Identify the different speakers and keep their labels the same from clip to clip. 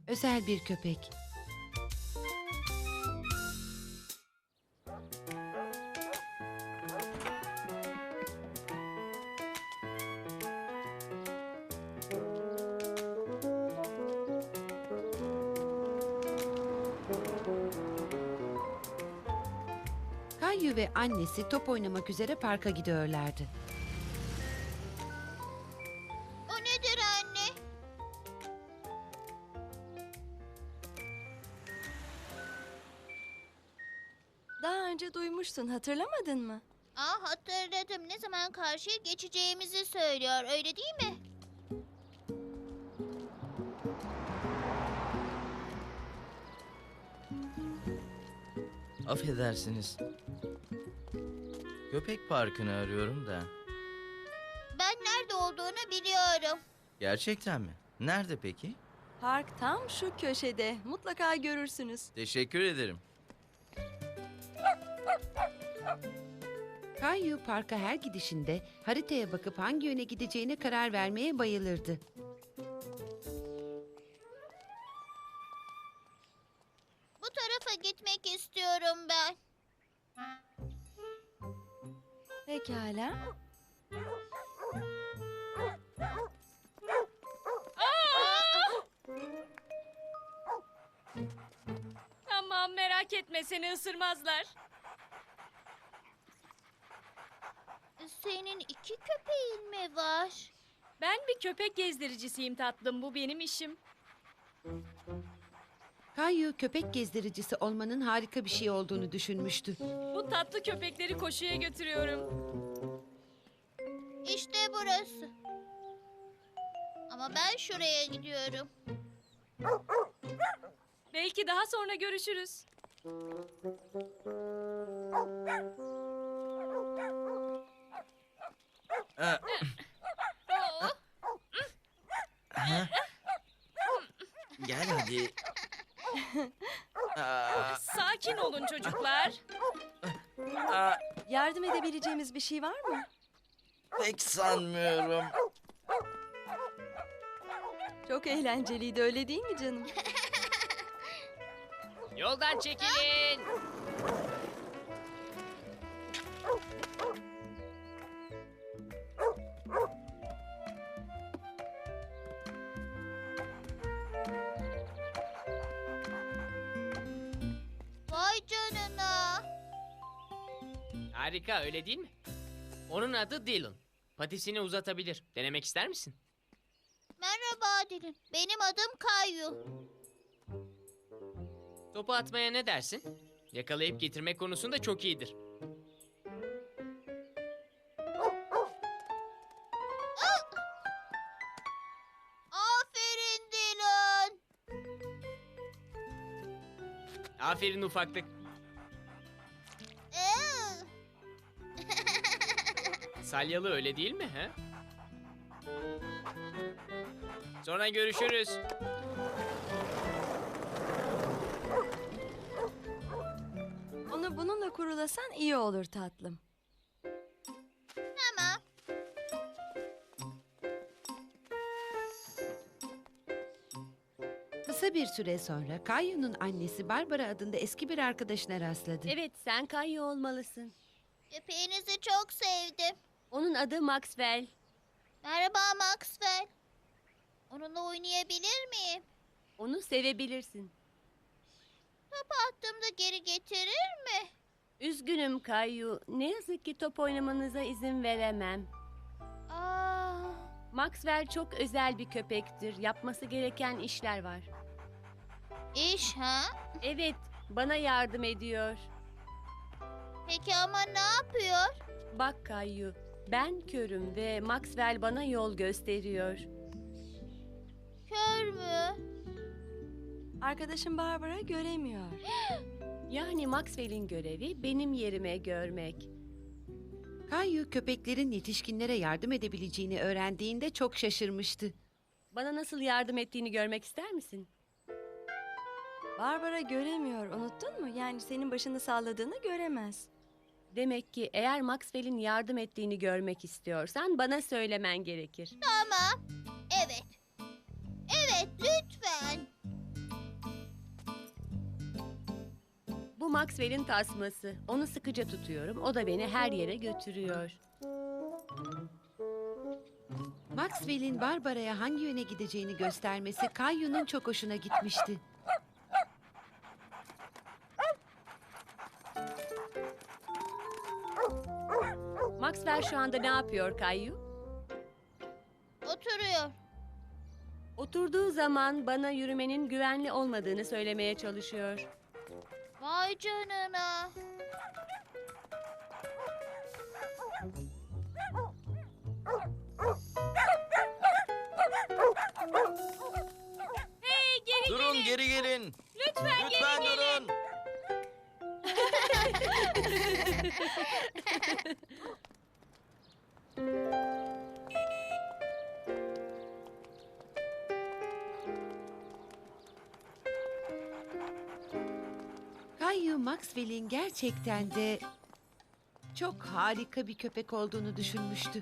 Speaker 1: Özel bir köpek. Kayu ve annesi top oynamak üzere parka gidiyorlardı.
Speaker 2: O nedir anne?
Speaker 3: Daha önce duymuştun, hatırlamadın mı?
Speaker 2: Hatırladım. Ne zaman karşıya geçeceğimizi söylüyor. Öyle değil mi?
Speaker 4: Affedersiniz. Köpek parkını arıyorum da.
Speaker 2: Ben nerede olduğunu biliyorum.
Speaker 4: Gerçekten mi? Nerede peki?
Speaker 3: Park tam şu köşede. Mutlaka görürsünüz.
Speaker 4: Teşekkür ederim.
Speaker 1: Kayu parka her gidişinde haritaya bakıp hangi yöne gideceğine karar vermeye bayılırdı.
Speaker 2: Bu tarafa gitmek istiyorum ben.
Speaker 3: Pekala.
Speaker 5: Tamam, merak etme, seni ısırmazlar.
Speaker 2: Senin iki köpeğin mi var?
Speaker 5: Ben bir köpek gezdiricisiyim tatlım, bu benim işim.
Speaker 1: Kayu köpek gezdiricisi olmanın harika bir şey olduğunu düşünmüştü.
Speaker 5: Bu tatlı köpekleri koşuya götürüyorum.
Speaker 2: İşte burası. Ama ben şuraya gidiyorum.
Speaker 5: Belki daha sonra görüşürüz.
Speaker 4: Aa,
Speaker 5: Oo,
Speaker 4: ha? Gel hadi. Aa,
Speaker 5: sakin olun çocuklar.
Speaker 3: Yardım edebileceğimiz bir şey var mı?
Speaker 4: pek sanmıyorum.
Speaker 3: Çok eğlenceliydi, öyle değil mi canım?
Speaker 6: Yoldan çekilin.
Speaker 2: Vay canına.
Speaker 6: Harika, öyle değil mi? Onun adı Dylan. Patisini uzatabilir. Denemek ister misin?
Speaker 2: Merhaba Dilin. Benim adım Kayu.
Speaker 6: Topu atmaya ne dersin? Yakalayıp getirme konusunda çok iyidir.
Speaker 2: Aferin Dilin.
Speaker 6: Aferin ufaklık.
Speaker 2: Ee,
Speaker 6: Salyalı öyle değil mi? He? Sonra görüşürüz.
Speaker 3: Onu bununla kurulasan iyi olur tatlım.
Speaker 2: Tamam.
Speaker 1: Kısa bir süre sonra Kayu'nun annesi Barbara adında eski bir arkadaşına rastladı.
Speaker 7: Evet, sen Kayu olmalısın.
Speaker 2: Köpeğinizi çok sevdim.
Speaker 7: Onun adı Maxwell.
Speaker 2: Merhaba Maxwell. Onunla oynayabilir miyim?
Speaker 7: Onu sevebilirsin.
Speaker 2: Topu attığımda geri getirir mi?
Speaker 7: Üzgünüm Kayu. Ne yazık ki top oynamanıza izin veremem.
Speaker 2: Aa,
Speaker 7: Maxwell çok özel bir köpektir. Yapması gereken işler var.
Speaker 2: iş ha?
Speaker 7: Evet, bana yardım ediyor.
Speaker 2: Peki ama ne yapıyor?
Speaker 7: Bak Kayu, ben körüm ve Maxwell bana yol gösteriyor.
Speaker 2: Kör mü?
Speaker 3: Arkadaşım Barbara göremiyor.
Speaker 7: Yani Maxwell'in görevi benim yerime görmek.
Speaker 1: Kayu köpeklerin yetişkinlere yardım edebileceğini öğrendiğinde çok şaşırmıştı.
Speaker 7: Bana nasıl yardım ettiğini görmek ister misin?
Speaker 3: Barbara göremiyor, unuttun mu? Yani senin başını salladığını göremez.
Speaker 7: Demek ki eğer Maxwell'in yardım ettiğini görmek istiyorsan bana söylemen gerekir.
Speaker 2: Tamam. Evet. Evet lütfen.
Speaker 7: Bu Maxwell'in tasması. Onu sıkıca tutuyorum. O da beni her yere götürüyor.
Speaker 1: Maxwell'in Barbara'ya hangi yöne gideceğini göstermesi Kayu'nun çok hoşuna gitmişti.
Speaker 7: Maxwell şu anda ne yapıyor Kayu?
Speaker 2: Oturuyor.
Speaker 7: Oturduğu zaman bana yürümenin güvenli olmadığını söylemeye çalışıyor.
Speaker 2: Vay canına.
Speaker 5: Hey geri
Speaker 4: Durun,
Speaker 5: gelin.
Speaker 4: geri gelin.
Speaker 5: Lütfen,
Speaker 4: Lütfen
Speaker 5: geri gelin.
Speaker 4: durun.
Speaker 1: Kayu Maxwell'in gerçekten de çok harika bir köpek olduğunu düşünmüştü.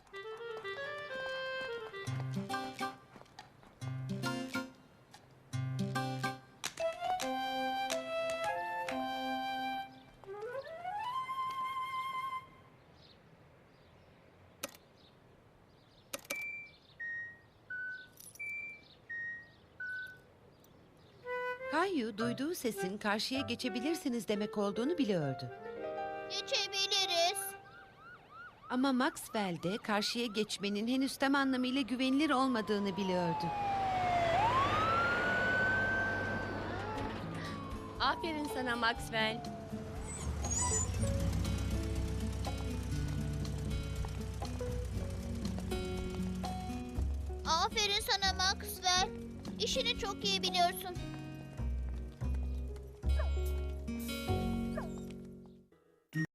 Speaker 1: Kayu duyduğu sesin karşıya geçebilirsiniz demek olduğunu biliyordu.
Speaker 2: Geçebiliriz.
Speaker 1: Ama Maxwell de karşıya geçmenin henüz tam anlamıyla güvenilir olmadığını biliyordu.
Speaker 7: Aferin sana Maxwell.
Speaker 2: Aferin sana Maxwell. İşini çok iyi biliyorsun.